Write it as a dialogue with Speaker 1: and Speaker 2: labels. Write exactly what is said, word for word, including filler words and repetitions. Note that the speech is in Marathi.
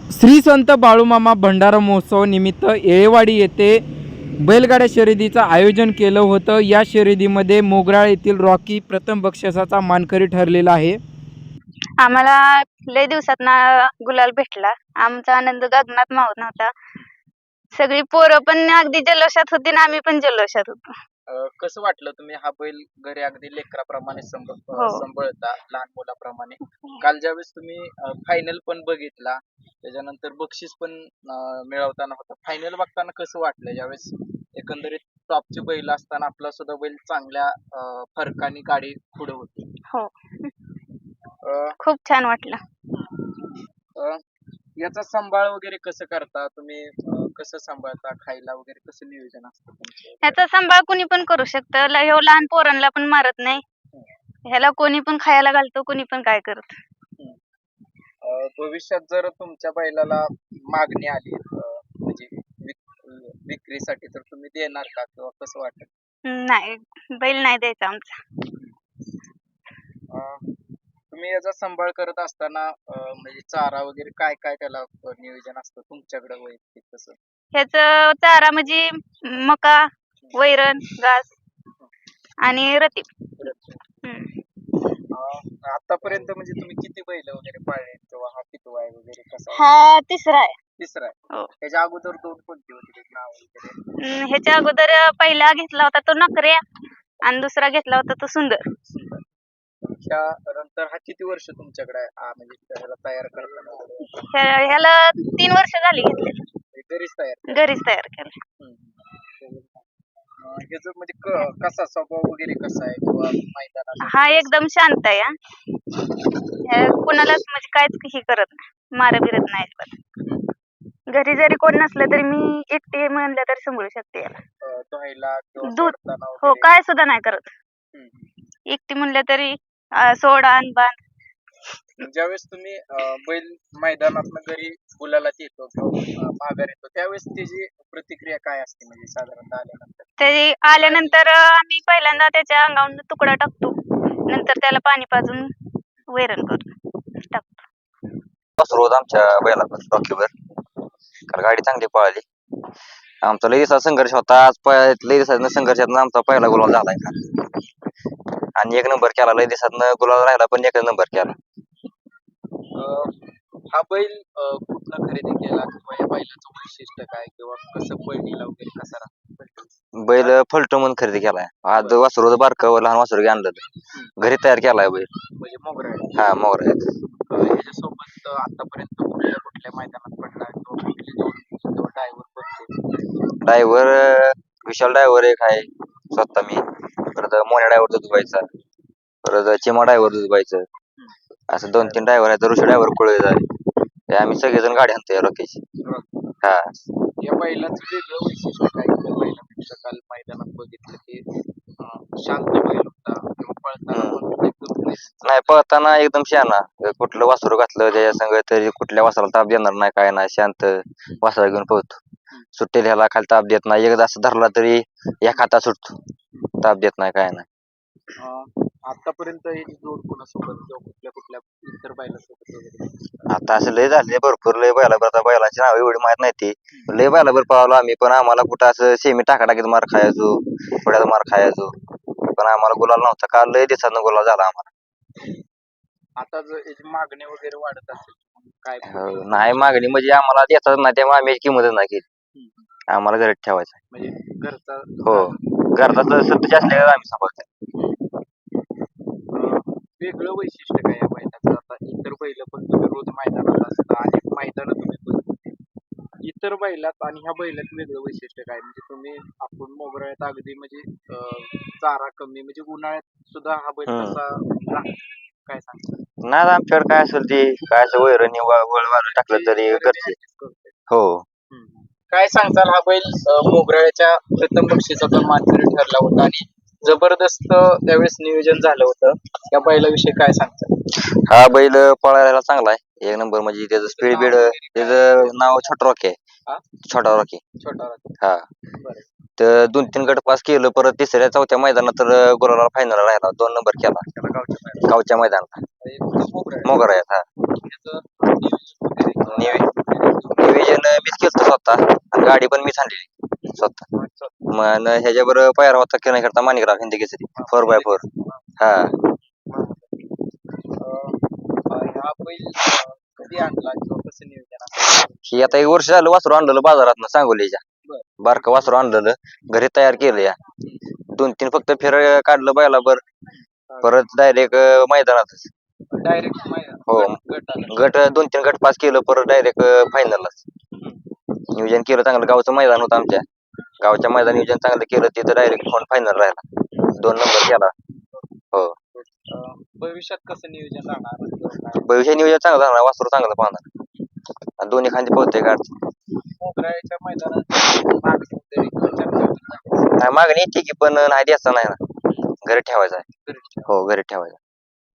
Speaker 1: श्री संत बाळूमामा भंडारा महोत्सव निमित्त येळेवाडी येथे बैलगाड्या शर्यतीचं आयोजन केलं होतं। या शर्यतीमध्ये मोगराळ येथील रॉकी प्रथम बक्षिसाचा मानकरी ठरलेला आहे।
Speaker 2: आम्हाला लय दिवसात ना गुलाल भेटला। आमचा आनंद गगनात मावत नव्हता। सगळी पोरं पण अगदी जल्लोषात होती आणि आम्ही पण जल्लोषात होतो।
Speaker 3: अ, कसं वाटलं तुम्ही हा बैल घरी अगदी लेकराप्रमाणे संभ अ,
Speaker 2: हो.
Speaker 3: सांभाळता लहान मुलाप्रमाणे? काल ज्यावेळेस तुम्ही फायनल पण बघितला, त्याच्यानंतर बक्षीस पण अ, मिळवताना होता, फायनल बघताना कसं वाटलं? ज्यावेळेस एकंदरीत टॉपची बैल असताना आपला सुद्धा बैल चांगल्या अ, फरकाने गाडी पुढे होती.
Speaker 2: हो,
Speaker 3: अ,
Speaker 2: खूप छान वाटलं।
Speaker 3: अ, याचा सांभाळ वगैरे कसं करता तुम्ही? अ, कसं सांभाळता? खायला वगैरे कसं नियोजन असतं तुमचं?
Speaker 2: ह्याचा सांभाळ कोणी पण करू शकतं। ल- ह्यो लहान पोरांना पण मारत नाही। ह्याला कोणी पण खायला घालतो, कोणी पण काय करत।
Speaker 3: हम्म. अ, भविष्यात जर तुमच्या बैलाला मागणी आली अ, म्हणजे विक- विक्रीसाठी, तर तुम्ही देणार का किंवा कसं वाटेल?
Speaker 2: नाही, बैल नाही द्यायचा आमचा।
Speaker 3: अ, तुम्ही याचा सांभाळ करत असताना अ, म्हणजे चारा वगैरे काय काय त्याला अ, नियोजन असतं तुमच्याकडे वैयक्तिक तसं?
Speaker 2: ह्याचं चारा म्हणजे मका, वैरण, घास आणि रतीब। हम्म.
Speaker 3: अ, आतापर्यंत म्हणजे तुम्ही किती बैल वगैरे पाळले किंवा हा कितवा आहे वगैरे कसा आहे?
Speaker 2: हा तिसरा आहे।
Speaker 3: तिसरा आहे.
Speaker 2: हो।
Speaker 3: त्याच्या अगोदर दोन कोणती होती त्याची नाव वगैरे?
Speaker 2: हम्म, ह्याच्या अगोदर पहिला घेतला होता तो नकऱ्या आणि दुसरा घेतला होता तो सुंदर।
Speaker 3: त्यानंतर हा किती वर्ष तुमच्याकडे आहे? हा म्हणजे त्याला तयार करताना वगैरे?
Speaker 2: ह्या- ह्याला तीन वर्ष झाली घेतलेली,
Speaker 3: म्हणजे घरीच तयार केलं?
Speaker 2: घरीच तयार केलं।
Speaker 3: हम्म. अ, ह्याचं म्हणजे क- कसा स्वभाव वगैरे कसा आहे किंवा मैदानात
Speaker 2: हा एकदम शांत आहे हा. ह्या कुणालाच म्हणजे काहीच हे करत नाही, मार बिरत नाही अजिबात। घरी जरी कोण नसलं तरी मी एकटी म्हणलं तरी सांभाळू शकते याला।
Speaker 3: अ, धुवायला किंवा
Speaker 2: दूध
Speaker 3: सोडताना
Speaker 2: हो
Speaker 3: वगैरे?
Speaker 2: काय सुद्धा नाही करत।
Speaker 3: हम्म.
Speaker 2: एकटी म्हणलं तरी अं, सोड आण बांध।
Speaker 3: ज्यावेळेस तुम्ही अ, बैल मैदानातनं घरी गुलालात येतो किंवा अ, माघार येतो, त्यावेळेस त्याची प्रतिक्रिया काय असते म्हणजे साधारणतः आल्यानंतर?
Speaker 2: तरी आल्यानंतर अं, आम्ही पहिल्यांदा त्याच्या अंगावरून तुकडा टाकतो, नंतर त्याला पाणी पाजून वैरण करून टाकतो।
Speaker 4: रोज आमच्या बैलावर रॉकीवर काल गाडी चांगली पळाली। आमचा लई दिवसाचा संघर्ष होता। आज प- लई दिवसातनं संघर्षातनं आमचा पहिला गुलाल झालाय का आणि एक नंबर केला। लई दिवसातनं गुलाल राहिला पण एक नंबर केला।
Speaker 3: अ, हा बैल अ, कुठनं खरेदी केला किंवा या बैलाचं वैशिष्ट्य काय किंवा कसं पळणीला वगैरे कसा राहतो?
Speaker 4: बैल फलटो म्हणून खरेदी केलाय। आज वासरू बारकं लहान वासरू आणलं होतं, घरी तयार केलाय बैल।
Speaker 3: म्हणजे मोगरा आहे.
Speaker 4: हा मोर आहे।
Speaker 3: अ, ह्याच्यासोबत अ, आतापर्यंत कुठल्या कुठल्या मैदानात पडला किंवा कुठली जोडी किंवा ड्रायव्हर बघतो?
Speaker 4: ड्रायव्हर विशाल ड्रायव्हर एक आहे, स्वतः मी, परत मोन्या ड्रायव्हर दुधबाईचा, परत चिमा ड्रायव्हर दुधबाईचं, असं दोन तीन ड्रायव्हर आहेत। ऋषी ड्रायव्हर कुळेचा आहे। हे आम्ही सगळेजण गाडी आणतोय रॉकीची। हा
Speaker 3: या बैलाचं वेगळं वैशिष्ट्य काय? त्या बैलापेक्षा काल मैदानात बघितलं की अ, शांत बैल होता किंवा पळताना पण एकदम
Speaker 4: नाही, पळताना एकदम शहाणा। कुठलं वासरू घातलं त्याच्या संग तरी कुठल्या वासराला ताप देणार नाही, काय नाही, शांत वासरा घेऊन पळतो। सुट्टी ह्याला खाली ताप देत नाही, एकदा असं धरला तरी एक हातात सुटतो, ताप देत नाही, काय नाही।
Speaker 3: अ, आतापर्यंत ही जोड कोणासोबत किंवा कुठल्या कुठल्या इतर बैलासोबत वगैरे?
Speaker 4: आता असं लय झाले भरपूर, लय बैलाबर, आता बैलाची नाव एवढी माहित नाही ती, लय बैलाबर पळालो आम्ही, पण आम्हाला कुठं असं सेमी टाका टाकीत मार खायचो, पुढ्यात मार खायचो, पण आम्हाला गुलाल नव्हता। काल लय दिवसानं गुलाल झाला आम्हाला।
Speaker 3: आता जर याची मागणी वगैरे वाढत असेल काय?
Speaker 4: हो, नाही मागणी म्हणजे आम्हाला देतात नाही, त्यामुळे आम्ही याची किंमतच नाही केली। आम्हाला घरात ठेवायचं आहे।
Speaker 3: म्हणजे घरचा
Speaker 4: हो, घरचा सध्या असल्यावर आम्ही सांभाळतो।
Speaker 3: अ, वेगळं वैशिष्ट्य काय या बैलाचं? आता इतर बैल पण तुम्ही रोज मैदानात असता, अनेक मैदान तुम्ही बघितली, इतर बैलात आणि ह्या बैलात वेगळं वैशिष्ट्य काय? म्हणजे तुम्ही आपण मोगऱ्यात अगदी म्हणजे अ, चारा कमी म्हणजे उन्हाळ्यात सुद्धा हा बैल
Speaker 4: हम्म.
Speaker 3: कसा राहतो? काय सांगता?
Speaker 4: नाही आमच्याकडे काय असेल ती, काय असं वैरणी वळ वाळून टाकलं तरी घरचे। हो,
Speaker 3: हम्म. काय सांगताल? हा बैल अ, मोगऱ्याच्या प्रथम बक्षिसाचा मानकरी ठरला होता आणि जबरदस्त त्यावेळेस नियोजन झालं होतं, या बैलाविषयी काय सांगताल?
Speaker 4: हा बैल पळायला चांगला आहे, एक नंबर। म्हणजे त्याचं स्पीड बीड, त्याचं नाव छोटा रॉकी
Speaker 3: हा?
Speaker 4: आहे, छोटा रॉकी।
Speaker 3: छोटा राहतो.
Speaker 4: हा,
Speaker 3: बरं.
Speaker 4: तर दोन तीन गट पास केलं, परत तिसऱ्या चौथ्या मैदानात तर गुलाला फायनल राहिला, दोन नंबर केला
Speaker 3: त्याला गावच्या मैदानात.
Speaker 4: गावच्या मैदानात।
Speaker 3: म्हणजे मोगरा आहे.
Speaker 4: मोगर आहेत हा।
Speaker 3: त्याचं नियोजन वगैरे किंवा
Speaker 4: नियो- स्वतः आणि गाडी पण मीच आणलेली स्वतः. मग ह्याच्याबरोबर पायरा होता किरण करता Manikrao Hindi Kesari four by four. हा
Speaker 3: अं, हा बैल अं, कधी आणला किंवा कसं नियोजन असतं?
Speaker 4: ही आता एक वर्ष झालं वासरू आणलेलं बाजारात सांगोलीच्या.
Speaker 3: बरं.
Speaker 4: बारकं वासरू आणलेलं घरी तयार केलं या. दोन तीन फक्त फेर काढलं बैलाबर परत डायरेक्ट मैदानातच.
Speaker 3: डायरेक्ट
Speaker 4: हो.
Speaker 3: गट आला.
Speaker 4: गट दोन तीन गट पास केलं परत डायरेक्ट फायनललाच नियोजन केलं चांगलं. गावचं मैदान होतं आमच्या गावच्या मैदान नियोजन चांगलं केलं तिथं डायरेक्ट फोन फायनल राहिला. दोन नंबर केला. हो.
Speaker 3: अं, भविष्यात कसं नियोजन राहणार किंवा काय?
Speaker 4: भविष्य नियोजन चांगलं राहणार वासरू चांगलं पाहणार आणि दोन्ही खांदी पोहते गाड.
Speaker 3: मोगऱ्याच्या मैदानात मागणी तरी चर्चा होती.
Speaker 4: नाही मागणी येते की पण नाही द्यायचा नाही ना घरी ठेवायचा आहे.
Speaker 3: घरी
Speaker 4: हो घरी ठेवायचा.